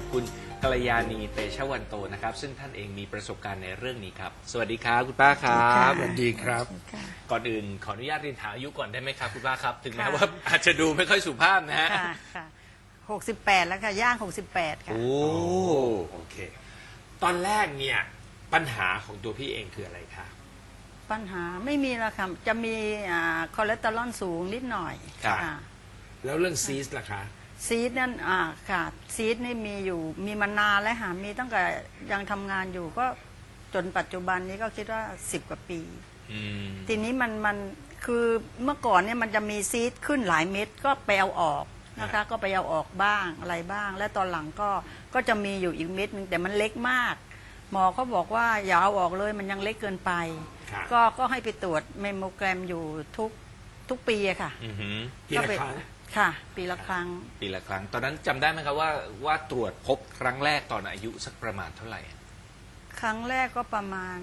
คุณกัลยาณีเตชะวันโตนะครับซึ่งท่านเองมีประสบการณ์ในเรื่องนี้ครับสวัสดีครับคุณป้าครับสวัสดีครับก่อนอื่นขออนุญาตเรียนถามอายุก่อนได้ไหมครับคุณป้าครับถึงแม้ว่าอาจจะดูไม่ค่อยสุภาพนะฮะค่ะ68แล้วค่ะย่าง68ค่ะโอ้โอเคตอนแรกเนี่ยปัญหาของตัวพี่เองคืออะไรคะปัญหาไม่มีแล้วค่ะจะมีคอเลสเตอรอลสูงนิดหน่อยครับค่ะแล้วเรื่องซีสล่ะคะซีดนั่นค่ะซีดนี่มีมานานแล้วค่ะมีตั้งแต่ยังทำงานอยู่ก็จนปัจจุบันนี้ก็คิดว่า10 กว่าปีอืมทีนี้มันคือเมื่อก่อนเนี่ยมันจะมีซีดขึ้นหลายเม็ดก็ไปเอาออกนะคะก็ไปเอาออกบ้างอะไรบ้าง และตอนหลังก็จะมีอยู่อีกเม็ดนึงแต่มันเล็กมาก หมอเขาบอกว่าอย่าเอาออกเลยมันยังเล็กเกินไปครับก็ให้ไปตรวจเมมโมแกรมอยู่ทุกปีอะค่ะอือหือปีละครั้งค่ะ ปีละครั้งปีละครั้งตอนนั้นจำได้ไหมครับว่าตรวจพบครั้งแรกตอนอายุสักประมาณเท่าไหร่ครั้งแรกก็ประมาณ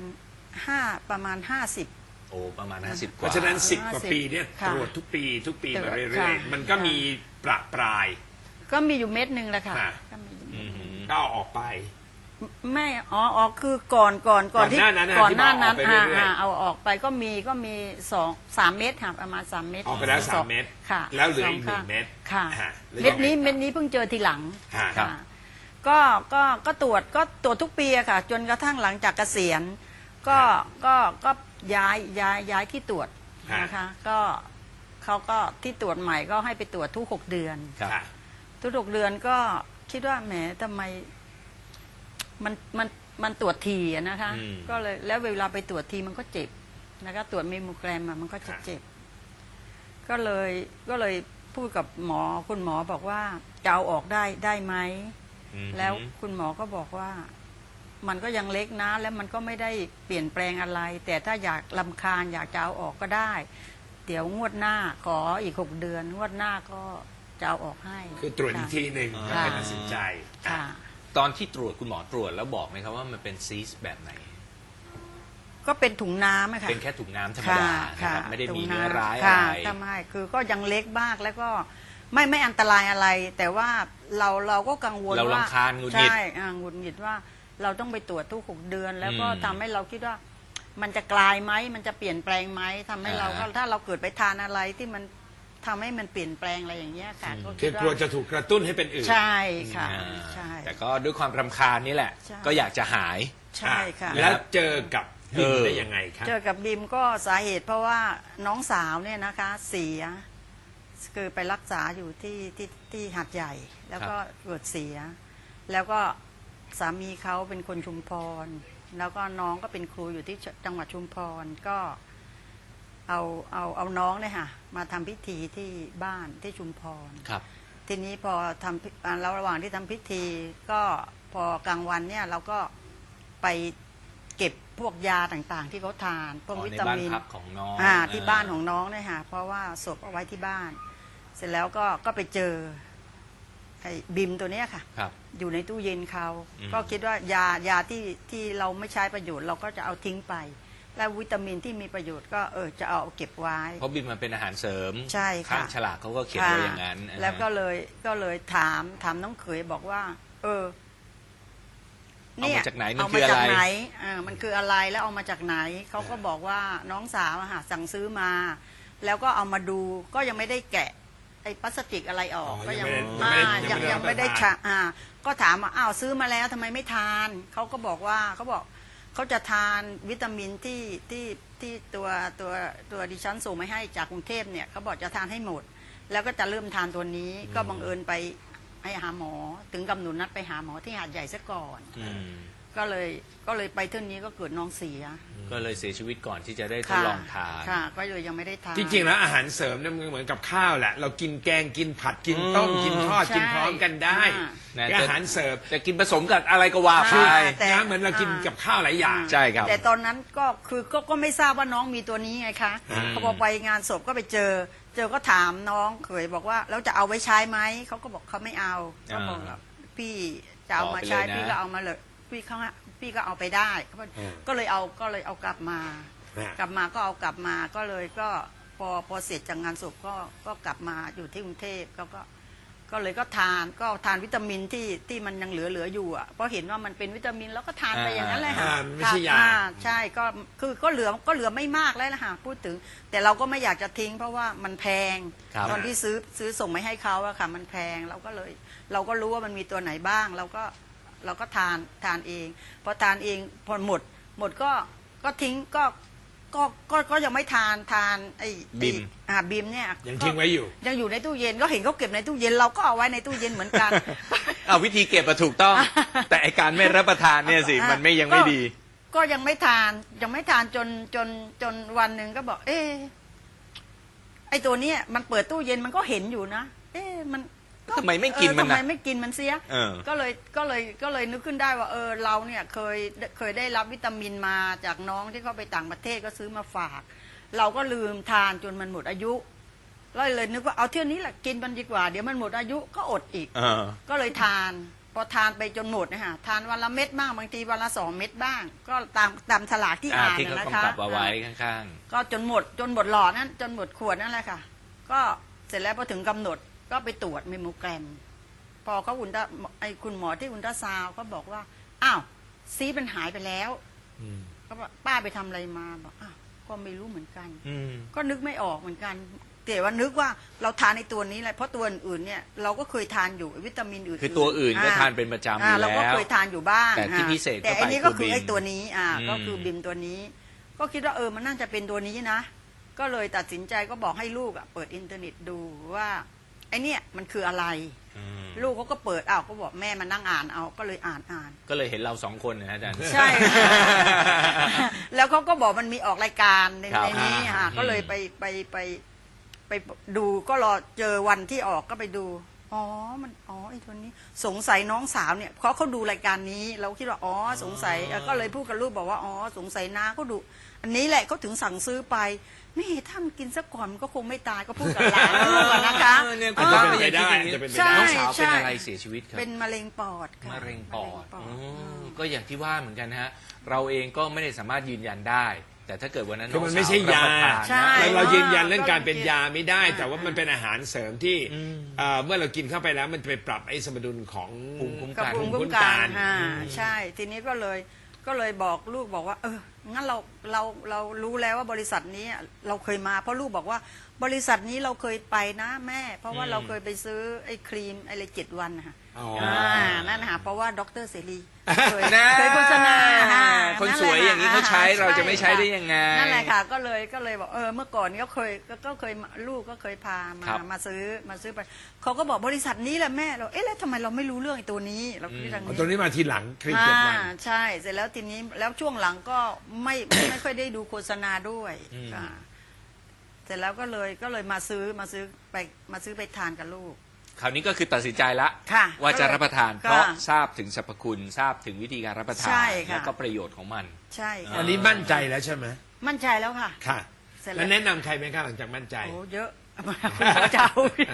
50 โอ้ประมาณ50กเพว่าราะฉะนั้น10 กว่า 50 ปีเนี่ยค่ะตรวจทุกปีมาค่ะเรื่อยๆมันก็มีประปรายก็มีอยู่เม็ดหนึ่งแหละค่ะค่ะก็มีอยู่อือหือก็เอาออกไปไม่อ๋อคือก่อนที่ก่อนหน้านั้นก่อนหน้านั้นที่บอกออกไปเรื่อยๆเอาออกไปก็มี3 เม็ดค่ะประมาณ3 เม็ดออกไปแล้ว3 เม็ดค่ะแล้วเหลืออีกสง 1 เม็ดค่ะแล้วเม็ดยังไงนี้ต่อเม็ดนี้เพิ่งเจอทีหลังฮะครับค่ะก็ตรวจทุกปีอะค่ะ จนกระทั่งหลังจากเกษียณก็ย้ายที่ตรวจนะคะก็เขาก็ที่ตรวจใหม่ก็ให้ไปตรวจทุก6 เดือนครับค่ะทุก6 เดือนก็คิดว่าแหมทำไมมันตรวจทีอะนะคะอืมก็เลยแล้วเวลาไปตรวจทีมันก็เจ็บนะคะตรวจเมมโมแกรมมันก็จะเจ็บ ก็เลยพูดกับหมอคุณหมอบอกว่าจะเอาออกได้ไหมอือหือแล้วคุณหมอก็บอกว่ามันก็ยังเล็กนะแล้วมันก็ไม่ได้เปลี่ยนแปลงอะไร แต่ถ้าอยากรำคาญอยากจะเอาออกก็ได้ เดี๋ยวงวดหน้าขออีก6 เดือน งวดหน้าก็จะเอาออกให้คือตรวจอีกทีหนึ่งค่ะแล้วก็ตัดสินใจค่ะตอนที่ตรวจคุณหมอตรวจแล้วบอกไหมครับว่ามันเป็นซีสแบบไหนก็เป็นถุงน้ำอะค่ะเป็นแค่ถุงน้ำธรรมดานะครับไม่ได้มีเนื้อร้ายอะค่ะไรทำไมคือก็ยังเล็กมากแล้วก็ไม่อันตรายอะไร แต่ว่าเราก็กังวลเราว่ารำคาญหงุดหงิดใช่หงุดหงิดว่าเราต้องไปตรวจทุก6 เดือน แล้วก็อืมทำให้เราคิดว่ามันจะกลายไหมมันจะเปลี่ยนแปลงไหมทำให้เราก็อ่าถ้าเราเกิดไปทานอะไรที่มันทำให้มันเปลี่ยนแปลงอะไรอย่างเงี้ยค่ะก็คืคิอดกลัวว่าจะถูกกระตุ้นให้เป็นอื่นใช่ค่ะอ่าใช่แต่ก็ด้วยความรำคาญนี่แหละใช่ก็อยากจะหายใช่ค่ะแล้วเจอกับบิมเออได้ยังไงคะเจอกับบิมก็สาเหตุเพราะว่าน้องสาวเนี่ยนะคะเสียคือไปรักษาอยู่ที่หาดใหญ่ แล้วก็เกิดเสีย แล้วก็สามีเขาเป็นคนชุมพร แล้วก็น้องก็เป็นครูอยู่ที่จังหวัดชุมพรก็เอาน้องเนี่ยค่ะมาทำพิธีที่บ้านที่ชุมพรครับทีนี้พอทำระหว่างที่ทำพิธีก็พอกลางวันเนี่ยเราก็ไปเก็บพวกยาต่างๆ ที่เขาทานพวกอ๋อวิในตาบ้านมินพักของน้องที่บ้านของน้องเนี่ยค่ะเพราะว่าศพเอาไว้ที่บ้าน เสร็จแล้วก็ไปเจอไอ้บิมตัวเนี้ยค่ะครับอยู่ในตู้เย็นเขาอืมก็คิดว่ายาที่เราไม่ใช้ประโยชน์เราก็จะเอาทิ้งไป แล้ววิตามินที่มีประโยชน์ก็เจะเอาเก็บไว้เพราะบินมันเป็นอาหารเสริมใช่ค่ะข้างฉลากเขาก็เขียนไว้อย่างนั้นค่ะแล้วก็เลยถามน้องเขยบอกว่าเอามาจากไหนมันเอาคืมาออะจากไรไหนมันคืออะไรแล้วเอามาจากไหนเขาก็บอกว่าน้องสาวอะค่ะสั่งซื้อมา แล้วก็เอามาดูก็ยังไม่ได้แกะไอ้พลาสติกอะไรออกอ๋อก็ยังไม่ได้ชะก็ถามว่าอ้าวซื้อมาแล้วทำไมไม่ทานเขาก็บอกว่าเขาจะทานวิตามินที่ตัวดิฉันส่งมาให้จากกรุงเทพเนี่ยเขาบอกจะทานให้หมด แล้วก็จะเริ่มทานตัวนี้ก็บังเอิญไปให้หาหมอถึงกำหนดนัดไปหาหมอที่หาดใหญ่ซะก่อนอืมก็เลยไปเท่านี้ก็เกิดน้องเสียก็เลยเสียชีวิตก่อนที่จะได้ทดค่ะลองทานค่ะ ก็เลยยังไม่ได้ทานจริงๆแล้วอาหารเสริมเนี่ยมันเหมือนกับข้าวแหละ เรากินแกงกินผัดกินต้มอืมกินทอดใช่กินพร้อมกันได้นะอาหารเสริมจะกินผสมกับอะไรก็ว่าไปแต่นะเหมือนเรากินกับข้าวหลายอย่างใช่ครับแต่ตอนนั้นก็คือก็ไม่ทราบว่าน้องมีตัวนี้ไงคะอืมพอไปงานศพก็ไปเจอก็ถามน้องเขยบอกว่าแล้วจะเอาไว้ใช้ไหมเขาก็บอกเขาไม่เอาเขาบอกว่าพี่จะเอามาใช้พี่ก็เอามาเลยพี่ก็เอาไปได้อืมก็เลยเอากลับมา กลับมาก็เอากลับมาก็เลยก็พอเสร็จจากงานศพก็กลับมาอยู่ที่กรุงเทพเขาก็ก็เลยก็ทานวิตามินที่มันยังเหลืออยู่อ่ะเพราะเห็นว่ามันเป็นวิตามินแล้วก็ทานไปอย่างนั้นเลยค่ะไม่ใช่ยาใช่ก็คือก็เหลือไม่มากแล้วนะคะพูดถึงแต่เราก็ไม่อยากจะทิ้งเพราะว่ามันแพงครับตอนที่ซื้อส่งไปให้เขาอะค่ะมันแพงเราก็รู้ว่ามันมีตัวไหนบ้างเราก็ทานเองพอทานเองพอหมดก็ทิ้งก็ยังไม่ทานไอ้บิมบิมเนี่ยยังทิ้งไว้อยู่ยังอยู่ในตู้เย็นก็เห็นเขาเก็บในตู้เย็นเราก็เอาไว้ในตู้เย็นเหมือนกันเอาวิธีเก็บมาถูกต้อง แต่ไอการไม่รับประทานเนี่ยสิมันไม่ยังไม่ดีก็ยังไม่ทานจนวันหนึ่งก็บอก ไอ้ตัวเนี้ยมันเปิดตู้เย็นมันก็เห็นอยู่นะมันทำไมไม่กินมันทำนะไมไม่กินมันเสียเออก็เลยนึกขึ้นได้ว่าเราเนี่ยเคยได้รับวิตามินมาจากน้องที่เขาไปต่างประเทศก็ซื้อมาฝาก เราก็ลืมทานจนมันหมดอายุเลยนึกว่าเอาเที่ยวนี้แหละกินมันดีกว่าเดี๋ยวมันหมดอายุก็อดอีกเออก็เลยทานพอทานไปจนหมดนะฮะทานวันละเม็ดบ้างบางทีวันละ2 เม็ดบ้าง ก็ตามฉลากที่อ่านที่เขานะคะกำกับเอาไว้ข้างก็จนหมดหลอดนั้นจนหมดขวดนั่นแหละค่ะ ก็เสร็จแล้วพอถึงกำหนดก็ไปตรวจเมมโมแกรมพอเขาคุณหมอที่อุลตราซาวด์ก็บอกว่าอ้าวซีสมันหายไปแล้วก็บอกป้าไปทำอะไรมาบอกอ้าวก็ไม่รู้เหมือนกันๆอืมก็นึกไม่ออกเหมือนกันแต่ว่านึกว่าเราทานในตัวนี้แหละเพราะตัวอื่นเนี่ยเราก็เคยทานอยู่วิตามินอื่นๆคือตัวอื่นก็ทานเป็นประจำอยู่เราก็แล้วเคยทานอยู่บ้างแต่ที่พิเศษแต่เข้าไปอันนี้ก็คือคือบิมไอ้ตัวนี้ก็คือมบิมตัวนี้ ก็คิดว่ามันน่าจะเป็นตัวนี้นะ ก็เลยตัดสินใจก็บอกให้ลูกเปิดอินเทอร์เน็ตดูว่าไอ้เนี่ยมันคืออะไรอืมลูกเขาก็เปิดก็บอกแม่มานั่งอ่านเอาก็เลยอ่านก็เลยเห็นเราสองคนนะอาจารย์ใช่ แล้วเขาก็บอกมันมีออกรายการในครับนี้ค่ะอืมก็เลยไปดูก็รอเจอวันที่ออกก็ไปดูไอ้ตัวนี้สงสัยน้องสาวเนี่ยเขาดูรายการนี้เราคิดว่าสงสัยก็เลยพูดกับลูกบอกว่าสงสัยน้าเขาดูอันนี้แหละเขาถึงสั่งซื้อไปนี่ถ้ามันกินซะก่อนมันก็คงไม่ตายก็พูดกับหลานลูกนะคะเนี่ยอาจจะเป็นไปได้อาจจะเป็นไปได้น้องสาวใช่เป็นอะไรเสียชีวิตครับเป็นมะเร็งปอดค่ะมะเร็งปอดมะอืเร็งปอดมก็อย่างที่ว่าเหมือนกันนะฮะเราเองก็ไม่ได้สามารถยืนยันได้ แต่ถ้าเกิดวันนั้นคือมันงสวไม่ใช่ยารับประทานนะใช่แล้วเรายืนยันเรื่องการเป็นยาไม่ได้อ่าแต่ว่ามันเป็นอาหารเสริมที่อืมเมื่อเรากินเข้าไปแล้วมันจะไปปรับไอ้สมดุลของภูมิคุ้มกับกันภูมิภูมิคุ้คุ้มมกักันนใช่ ทีนี้ก็เลยบอกลูกบอกว่างั้นเรารู้แล้วว่าบริษัทนี้เราเคยมาเพราะลูกบอกว่าบริษัทนี้เราเคยไปนะแม่ เพราะว่าเราเคยไปซื้อไอ้ครีมอะไร7 วันนะคะอ๋อนั่นนะคะเพราะว่าดรเสรีเคยนะเคยโฆษณาคนสวยอย่างนี้เขาใช้เราจะไม่ใช้ได้ยังไงนั่นแหละค่ะก็เลยบอกเมื่อก่อนก็เคยลูกก็เคยพาครับมาซื้อไปเขาก็บอกบริษัทนี้แหละแม่เราแล้วทำไมเราไม่รู้เรื่องไอ้ตัวนี้เราคิดอย่างเอานี้ตัวนี้มาทีหลังครีมเจ็ดวันใช่เสร็จแล้วทีนี้แล้วช่วงหลังก็ไม่ค่อยได้ดูโฆษณาด้วยค่ะเสร็จแล้วก็เลยมาซื้อไปทานกับลูกคราวนี้ก็คือตัดสินใจละค่ะว่าจะรับประทานค่ะเพราะทราบถึงสรรพคุณทราบถึงวิธีการรับประทานใช่ค่ะแล้วก็ประโยชน์ของมันใช่ค่ะอันนี้มั่นใจแล้วใช่ไหมมั่นใจแล้วค่ะค่ะเสร็จแล้วแนะนำใครไหมคะหลังจากมั่นใจโอ้เยอะคุณหมอเจ้า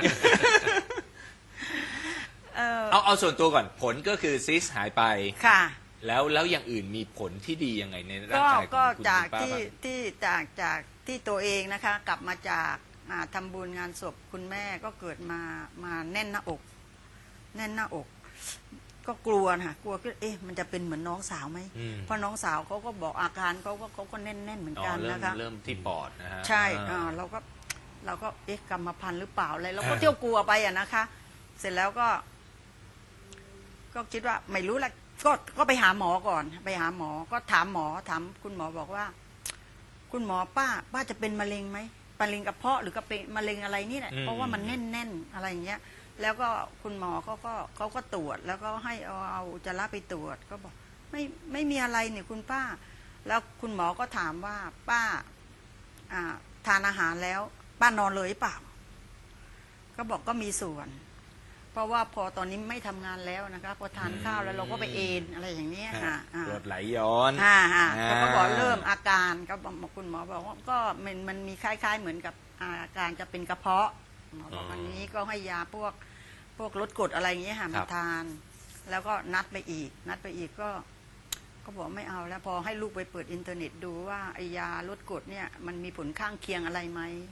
เอาส่วนตัวก่อนผลก็คือซิสหายไปค่ะแล้วอย่างอื่นมีผลที่ดียังไงในร่างก็กายของก็คุณจากป้าที่บ้างที่จากที่ตัวเองนะคะ กลับมาจากทำบุญงานศพคุณแม่ก็เกิดมาแน่นหน้าอก แน่นหน้าอก ก็กลัวนะคะกลัวก็มันจะเป็นเหมือนน้องสาวไหมอืมเพราะน้องสาวเขาก็บอกอาการเขาก็แน่นเหมือนอ๋อกันเริ่มนะคะเริ่มที่ปอดนะฮะใช่อ่าเราก็กรรมพันธุ์หรือเปล่าอะไรเราก็อ่าเที่ยวกลัวไปนะคะ เสร็จแล้วก็คิดว่าไม่รู้ละก็ไปหาหมอก่อน ไปหาหมอก็ถามคุณหมอบอกว่า คุณหมอป้าจะเป็นมะเร็งไหมมะเร็งกระเพาะหรือก็เป็นมะเร็งอะไรนี่แหละเพราะว่ามันแน่นอะไรอย่างเงี้ย แล้วก็คุณหมอเขาก็ตรวจ แล้วก็ให้เอาอุจจาระไปตรวจ ก็บอกไม่มีอะไรเนี่ยคุณป้า แล้วคุณหมอก็ถามว่าป้าทานอาหารแล้วป้านอนเลยหรือเปล่า ก็บอกก็มีส่วน เพราะว่าพอตอนนี้ไม่ทำงานแล้วนะคะพอทานข้าวแล้วเราก็ไปเอนอะไรอย่างเนี้ยค่ะกรดไหลย้อนเขาก็บอกเริ่มอาการก็บอกคุณหมอบอกว่าก็มันมีคล้ายๆเหมือนกับอาการจะเป็นกระเพาะหมอบอกอันนี้ก็ให้ยาพวกลดกรดอะไรอย่างเงี้ยค่ะมาทาน แล้วก็นัดไปอีกก็บอกไม่เอาแล้วพอให้ลูกไปเปิดอินเทอร์เน็ตดูว่าไอยาลดกรดเนี่ยมันมีผลข้างเคียงอะไรไหม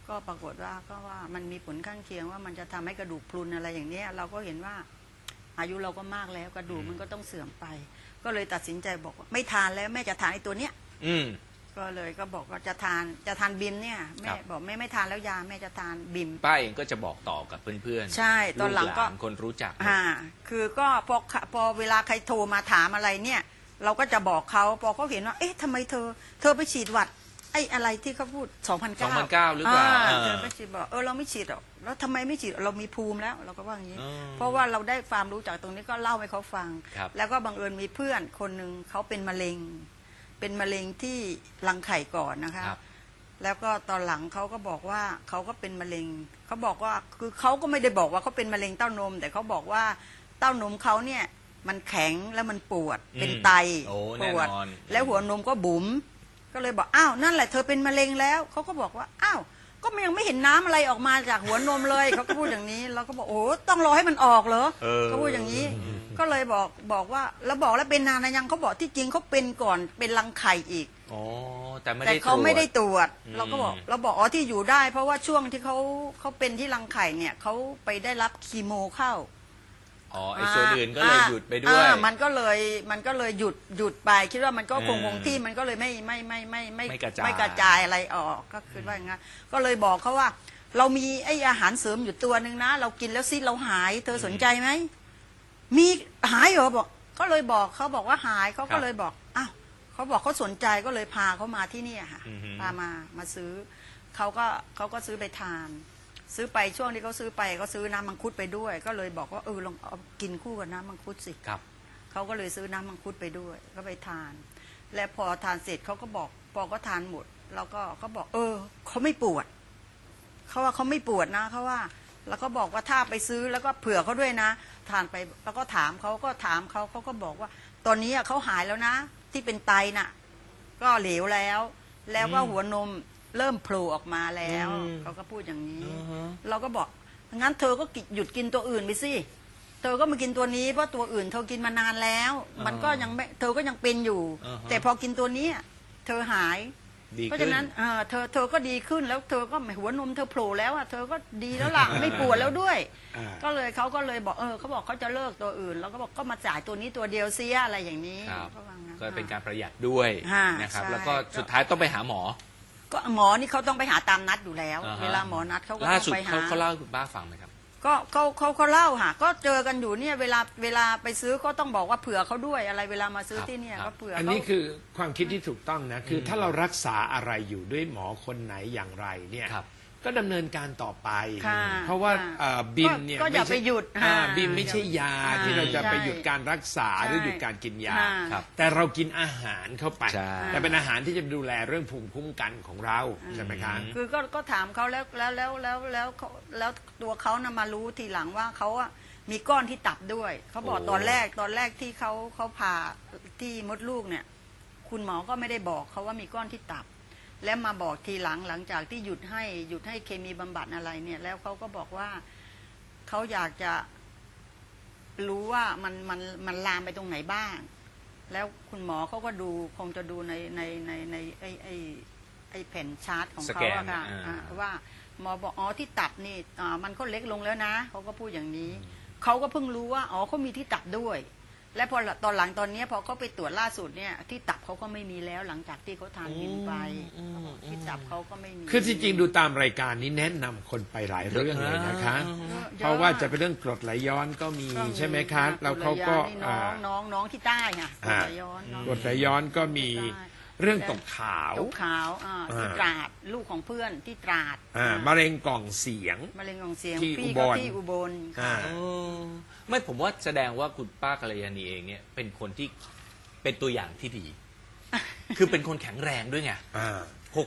ก็ปรากฏว่าก็ว่ามันมีผลข้างเคียงว่ามันจะทำให้กระดูกพรุนอะไรอย่างเนี้ยเราก็เห็นว่าอายุเราก็มากแล้วกระดูกมันก็ต้องเสื่อมไป ก็เลยตัดสินใจบอกว่าไม่ทานแล้วแม่จะทานไอ้ตัวเนี้ยอืมก็เลยก็บอกว่าจะทานบิมเนี่ยแม่ครับบอกไม่ทานแล้วยาแม่จะทานบิมป้าเองก็จะบอกต่อกับเพื่อนๆใช่ตอนหลังก็ลูานคนรู้จักคือก็พอเวลาใครโทรมาถามอะไรเนี่ย เราก็จะบอกเขาพอเขาเห็นว่าเอ๊ะทำไมเธอไปฉีดหวัดไอ้อะไรที่เขาพูด 2009 2009หรือเปล่าเธอไม่ฉีดบอกเราไม่ฉีดหรอกแล้วทำไมไม่ฉีดเรามีภูมิแล้วเราก็ว่าอย่างนี้อืมเพราะว่าเราได้ความรู้จากตรงนี้ก็เล่าให้เขาฟังครับแล้วก็บังเอิญมีเพื่อนคนหนึ่งเขาเป็นมะเร็งที่รังไข่ก่อนนะคะครับแล้วก็ตอนหลังเขาก็บอกว่าเขาก็เป็นมะเร็งเขาบอกว่าคือเขาก็ไม่ได้บอกว่าเขาเป็นมะเร็งเต้านม แต่เขาบอกว่าเต้านมเขาเนี่ยมันแข็งแล้วมันปวดอืมเป็นไตโอ้ปวดแน่นอนแล้วหัวนมก็บุ๋มก็เลยบอกอ้าวนั่นแหละเธอเป็นมะเร็งแล้วเขาก็บอกว่าอ้าวก็ยังไม่เห็นน้ำอะไรออกมาจากหัวนมเลยเขาก็พูดอย่างนี้เราก็บอกโอ้ต้องรอให้มันออกเหรอเขาพูดอย่างนี้ ก็เลยบอกว่าแล้วบอกแล้วเป็นนานนะยังเขาบอกที่จริงเขาเป็นก่อนเป็นรังไข่อีกอ๋อแต่ไม่แต่ได้เขาไม่ได้ตรวจตรวจอืมเราก็บอกอ๋อที่อยู่ได้ เพราะว่าช่วงที่เขาเป็นที่รังไข่เนี่ยเขาไปได้รับคีโมเข้าอ๋อไอ้ส่วนอื่นก็เลยหยุดไปด้วยมันก็เลยหยุดไปคิดว่ามันก็คงอืมที่มันก็เลยไม่ไม่กระจายไม่กระจายอะไรออกก็คือว่าอย่างงั้นก็เลยบอกเขาว่า เรามีไอ้อาหารเสริมอยู่ตัวหนึ่งนะ เรากินแล้วซิเราหายเธอสนใจไหมมีหายเหรอบอกก็เลยบอกเขาบอกว่าหายเขาก็เลยบอกอ้าวเขาบอกเขาสนใจก็เลยพาเขามาที่นี่ค่ะอือฮึพามาซื้อเขาก็ซื้อไปทาน ซื้อไปช่วงที่เขาซื้อไปเขาซื้อน้ำมังคุดไปด้วย ก็เลยบอกว่าลองเอากินคู่กับน้ำมังคุดสิครับเขาก็เลยซื้อน้ำมังคุดไปด้วย ก็ไปทาน และพอทานเสร็จเขาก็บอกพอก็ทานหมดแล้วก็เขาบอกเขาไม่ปวดเขาว่าเขาไม่ปวดนะเขาว่า แล้วก็บอกว่าถ้าไปซื้อแล้วก็เผื่อเขาด้วยนะ ทานไปแล้วก็ถามเขาก็บอกว่า ตอนนี้เขาหายแล้วนะ ที่เป็นไตน่ะ ก็เหลวแล้ว แล้วก็หัวนมเริ่มโผล่ออกมาแล้วอืมเขาก็พูดอย่างนี้อือฮะเราก็บอกงั้นเธอก็หยุดกินตัวอื่นไปสิเธอก็มากินตัวนี้เพราะตัวอื่นเธอกินมานานแล้ว มันก็ยังไม่เธอก็ยังเป็นอยู่อ่าฮะแต่พอกินตัวนี้เธอหายดีเพราะขึ้ฉะนนั้นเธอก็ดีขึ้นแล้วเธอก็หัวนมเธอโผล่แล้วเธอก็ดีแล้วล่ะ ไม่ปวดแล้วด้วยอ่าก็เลยเขาก็เลยบอกเขาบอกเขาจะเลิกตัวอื่น แล้วก็บอกก็มาจ่ายตัวนี้ตัวเดียวเสียอะไรอย่างนี้ครับก็ว่างั้นก็เป็นการประหยัดด้วยค่ะนะครับใช่แล้วก็สุดท้ายต้องไปหาหมอก็หมอนี่เขาต้องไปหาตามนัดอยู่แล้วอ่าฮะเวลาหมอนัดเขาก็ล่าต้อสุดงไปหาเขาเล่าให้คุณป้าฟังไหมครับก็เขาเล่าค่ะก็เจอกันอยู่เนี่ยเวลาไปซื้อก็ต้องบอกว่าเผื่อเขาด้วยอะไรเวลามาซื้อครับที่เนี่ยครับก็เผื่ออันเขานี้คือความคิดที่ถูกต้องนะ คือถ้าเรารักษาอะไรอยู่ด้วยหมอคนไหนอย่างไรเนี่ยครับก็ดำเนินการต่อไปค่ะเพราะว่าค่ะบิมเนี่ยก็อย่าม่ใช่ไปหยุดบิมไม่ใช่ยาค่ะที่เราจะไปใช่หยุดการรักษาหรือหยุดการกินยาค่ะครับแต่เรากินอาหารเข้าไปใช่แต่เป็นอาหารที่จะดูแลเรื่องภูมิคุ้มกันของเราใช่ไหมคะคือก็ถามเขาแล้วตัวเขานะมารู้ทีหลังว่าเขาอะมีก้อนที่ตับด้วยเขาบอกโอ้ตอนแรกที่เขาผ่าที่มดลูกเนี่ย คุณหมอก็ไม่ได้บอกเขาว่ามีก้อนที่ตับ แล้วมาบอกทีหลังจากที่หยุดให้เคมีบำบัดอะไรเนี่ย แล้วเขาก็บอกว่าเขาอยากจะรู้ว่ามันลามไปตรงไหนบ้าง แล้วคุณหมอเขาก็ดูคงจะดูในไอ้แผ่นชาร์ตของสเขาแกนอะค่ะอ่าว่าหมอบอกที่ตับนี่มันก็เล็กลงแล้วนะเขาก็พูดอย่างนี้เขาก็เพิ่งรู้ว่าเขามีที่ตับด้วย และพอตอนหลังตอนนี้พอเขาไปตรวจล่าสุดเนี่ยที่ตับเขาก็ไม่มีแล้วหลังจากที่เขาทานบินไปที่ตับเขาก็ไม่มีคือจริงๆดูตามรายการนี้แนะนำคนไปหลายเรื่องเลยนะคะ เพราะว่าจะเป็นเรื่องกรดไหลย้อนก็มีก็มีใช่ไหมคะแล้วเขาก็นี่น้องที่ใต้ค่ะอ่ากรดไหลย้อนน้องกรดไหลย้อนก็มีเรื่องตกขาวตกขาวที่ตราดลูกของเพื่อนที่ตราดมะเร็งกล่องเสียงมะเร็งของเสียงที่พี่อุบก็ลที่อุบลอ่าค่ะไม่ผมว่าแสดงว่าคุณป้ากัลยาณีเองเนี่ยเป็นคนที่เป็นตัวอย่างที่ดี คือเป็นคนแข็งแรงด้วยไงอ่า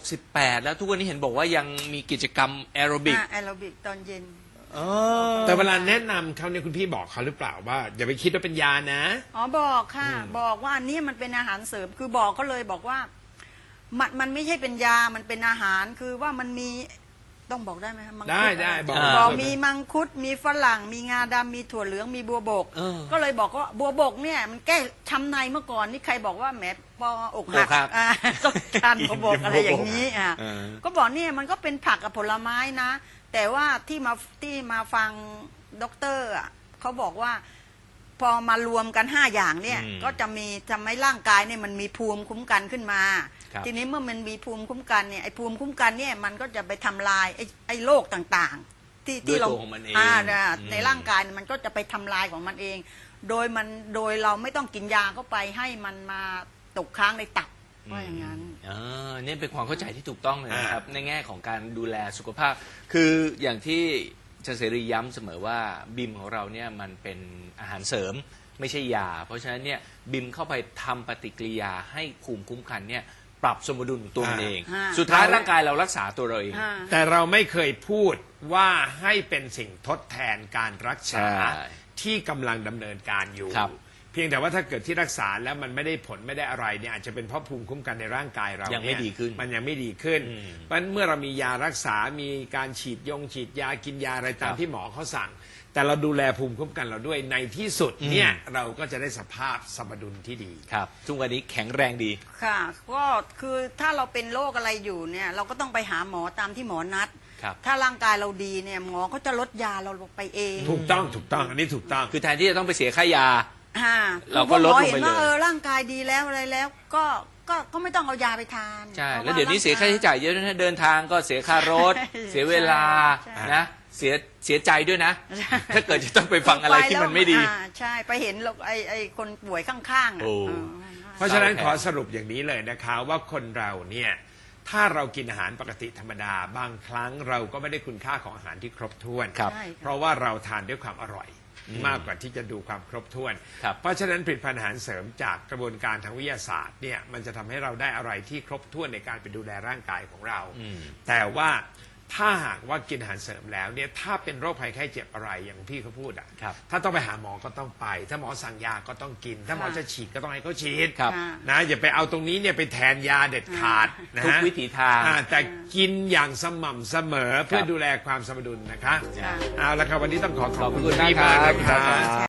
68 แล้วทุกวันนี้เห็นบอกว่ายังมีกิจกรรมแอโรบิกแอโรบิกตอนเย็นแต่เวลาแนะนำเขาเนี่ยคุณพี่บอกเขาหรือเปล่าว่าอย่าไปคิดว่าเป็นยานะบอกค่ะ บอกว่าอันนี้มันเป็นอาหารเสริมคือบอกเขาเลยบอกว่ามันไม่ใช่เป็นยามันเป็นอาหารคือว่ามันมีต้องบอกได้ไหมคะมังคุได้บอกบอกมีมังคุดมีฝรั่งมีงาดำมีถั่วเหลืองมีบัวบกเออก็เลยบอกว่าบัวบกเนี่ยมันแก้ช้ำในเมื่อก่อนนี่ใครบอกว่าแหมปอกหักอกหักต้องการบัวบกอะไรอย่างนี้อ่ะเออก็บอกเนี่ยมันก็เป็นผักกับผลไม้นะ แต่ว่าที่มาฟังด็อกเตอร์อ่ะเขาบอกว่าพอมารวมกัน5อย่างเนี่ยอืมก็จะมีทำให้ร่างกายเนี่ยมันมีภูมิคุ้มกันขึ้นมาครับทีนี้เมื่อมันมีภูมิคุ้มกันเนี่ยไอ้ภูมิคุ้มกันเนี่ยมันก็จะไปทำลายไอ้โรคต่างๆ ที่เราด้วยตัวของมันเองในร่างกายเนี่ยมันก็จะไปทำลายของมันเอง โดยเราไม่ต้องกินยาเข้าไปให้มันมาตกค้างในตับว่าอย่างนั้นนี่เป็นความเข้าใจที่ถูกต้องเลยนะครับ ในแง่ของการดูแลสุขภาพ คืออย่างที่อาจารย์เสรีย้ำเสมอว่าบิมของเราเนี่ยมันเป็นอาหารเสริมไม่ใช่ยา เพราะฉะนั้นเนี่ยบิมเข้าไปทำปฏิกิริยาให้ภูมิคุ้มกันเนี่ยปรับสมดุลของตัวมันเองอ่าสุดท้ายร่างกายเรารักษาตัวเราเองแต่เราไม่เคยพูดว่าให้เป็นสิ่งทดแทนการรักษาใช่ที่กำลังดำเนินการอยู่ครับเพียงแต่ว่าถ้าเกิดที่รักษาแล้วมันไม่ได้ผลไม่ได้อะไรเนี่ยอาจจะเป็นเพราะภูมิคุ้มกันในร่างกายเรายังไม่เนี่ดีขึ้นมันยังไม่ดีขึ้นอืมเพราะฉะนั้นเมื่อเรามียารักษา มีการฉีดยากินยาอะไรตามครับที่หมอเขาสั่ง แต่เราดูแลภูมิคุ้มกันเราด้วยในที่สุดเนี่ยเราก็จะได้สภาพสมดุลที่ดีครับทุกวันนี้แข็งแรงดีค่ะก็คือถ้าเราเป็นโรคอะไรอยู่เนี่ยเราก็ต้องไปหาหมอตามที่หมอนัดครับถ้าร่างกายเราดีเนี่ยหมอเขาจะลดยาเราลงไปเองถูกต้องอันนี้ถูกต้องคือแทนที่จะต้องไปเสียค่ายาอ่าเราก็ลดลงไปเลยหมอเห็นว่าร่างกายดีแล้วอะไรแล้วก็ไม่ต้องเอายาไปทานใช่พราะแล้วเดี๋ยวนี้เสียค่าใช้จ่ายเยอะนะเดินทางก็เสียค่ารถใช่เสียเวลาใช่นะเสียใจด้วยนะ ถ้าเกิดจะต้องไปฟังอะไรที่มันไม่ดีใช่ไปเห็นไอ้คนป่วยข้างๆโอ้เพราะฉะนั้นเศร้าแทนขอสรุปอย่างนี้เลยนะคะว่าคนเราเนี่ยถ้าเรากินอาหารปกติธรรมดาบางครั้งเราก็ไม่ได้คุณค่าของอาหารที่ครบถ้วนครับใช่เพราะว่าเราทานด้วยความอร่อยมากกว่าที่จะดูความครบถ้วนครับเพราะฉะนั้นผลิตภัณฑ์อาหารเสริมจากกระบวนการทางวิทยาศาสตร์เนี่ยมันจะทำให้เราได้อะไรที่ครบถ้วนในการไปดูแลร่างกายของเรา แต่ว่าถ้าหากว่ากินอาหารเสริมแล้วเนี่ยถ้าเป็นโรคภัยไข้เจ็บอะไรอย่างพี่เขาพูดอ่ะครับถ้าต้องไปหาหมอก็ต้องไป ถ้าหมอสั่งยาก็ต้องกิน ถ้าหมอจะฉีดก็ต้องให้เขาฉีดครับค่ะนะอย่าไปเอาตรงนี้เนี่ยไปแทนยาเด็ดขาดนะทุกฮะวิถีทางแต่กินอย่างสม่ำเสมอเพื่อครับดูแลความสมดุลนะคะค่ะเอาละครับวันนี้ต้องขอบขอบคุณคุณพี่มากมากครับนะคะ